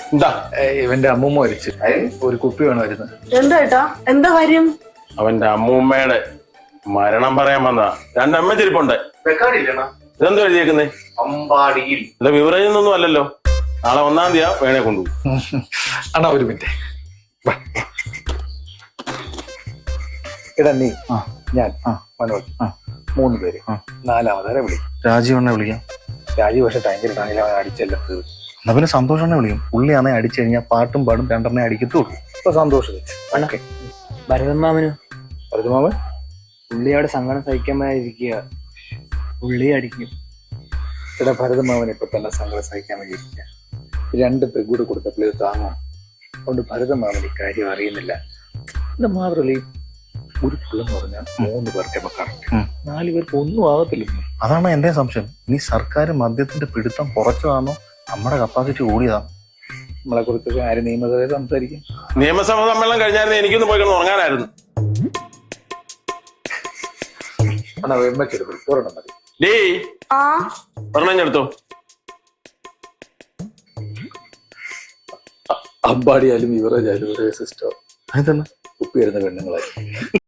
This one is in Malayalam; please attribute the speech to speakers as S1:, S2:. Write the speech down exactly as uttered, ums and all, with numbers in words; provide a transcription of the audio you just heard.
S1: എന്താ
S2: ഇവന്റെ അമ്മൂമ്മ മരിച്ചു. ഒരു കുപ്പി വേണമായിരുന്നു.
S3: എന്താ ഏട്ടാ, എന്താ കാര്യം?
S1: അവന്റെ അമ്മൂമ്മയുടെ മരണം പറയാൻ വന്നതാ. രണ്ടമ്മ ചെരിപ്പുണ്ട്. ഇതെന്തോ എഴുതിയേക്കുന്നേ?
S4: അമ്പാടിയിൽ.
S1: അല്ല വിവറേജ് ഒന്നും അല്ലല്ലോ. നാളെ ഒന്നാം തീയതി വേണേ കൊണ്ടുപോകും.
S2: അണ്ണാ ഒരു മിനിറ്റ്. എടാ നീ ഞാൻ മനോജ് മൂന്ന് പേര് നാലാമതാരെ വിളിക്കും.
S5: രാജീവണ്ണെ വിളിക്കാം.
S2: രാജീവ് പക്ഷെ ടൈം കിട്ടാണെങ്കിൽ അവൻ അടിച്ചല്ല തീർന്നു.
S5: എന്നാ പിന്നെ സന്തോഷണ്ണെ വിളിക്കും. പുള്ളിയാണെ അടിച്ചു കഴിഞ്ഞാൽ പാട്ടും പാടും രണ്ടെണ്ണേ അടിക്കത്തുള്ളൂ.
S2: ഇപ്പൊ സന്തോഷം
S6: ഭരതമാമന്
S2: ഭരതമാമൻ
S6: പുള്ളിയോടെ സങ്കടം സഹിക്കാമായിരിക്കുക. പുള്ളി അടിക്കും.
S2: എടാ ഭരതമാമൻ ഇപ്പൊ തന്നെ സങ്കടം സഹിക്കാൻ വേണ്ടിയിരിക്കുക. രണ്ട് പെഗൂട് കൊടുത്തപ്പോൾ ഇത് താങ്ങോ. അതുകൊണ്ട് ഭരതമാമൻ ഇക്കാര്യം അറിയുന്നില്ല. ഇത് മാത്രമല്ല, ഒരു പുള്ളെന്ന് പറഞ്ഞാൽ മൂന്ന് പേർക്ക് കറക്റ്റ്, നാല് പേർക്ക് ഒന്നും ആകത്തില്ല.
S5: അതാണ് എന്റെ സംശയം. ഇനി സർക്കാർ മദ്യത്തിന്റെ പിടുത്തം കുറച്ചതാണോ നമ്മുടെ കപ്പാസിറ്റി കൂടിയതാണോ?
S2: നമ്മളെ കുറിച്ചൊക്കെ ആര് നിയമസഭയിൽ സംസാരിക്കും?
S1: നിയമസഭ സമ്മേളനം കഴിഞ്ഞായിരുന്നു എനിക്കൊന്ന് പോയി കിടന്ന് ഉറങ്ങാനായിരുന്നു.
S2: അണ്ണാ വെമ്മക്കെടുക്കും ഒരെണ്ണം മതി.
S1: ഡേ ഒരെണ്ണം എടുത്തോ.
S2: അമ്പാടിയാലും യുവറാജാലും ഒരേ സിസ്റ്റം.
S5: അതെന്താണ്
S2: കുപ്പി വരുന്ന പെണ്ണുങ്ങളായി.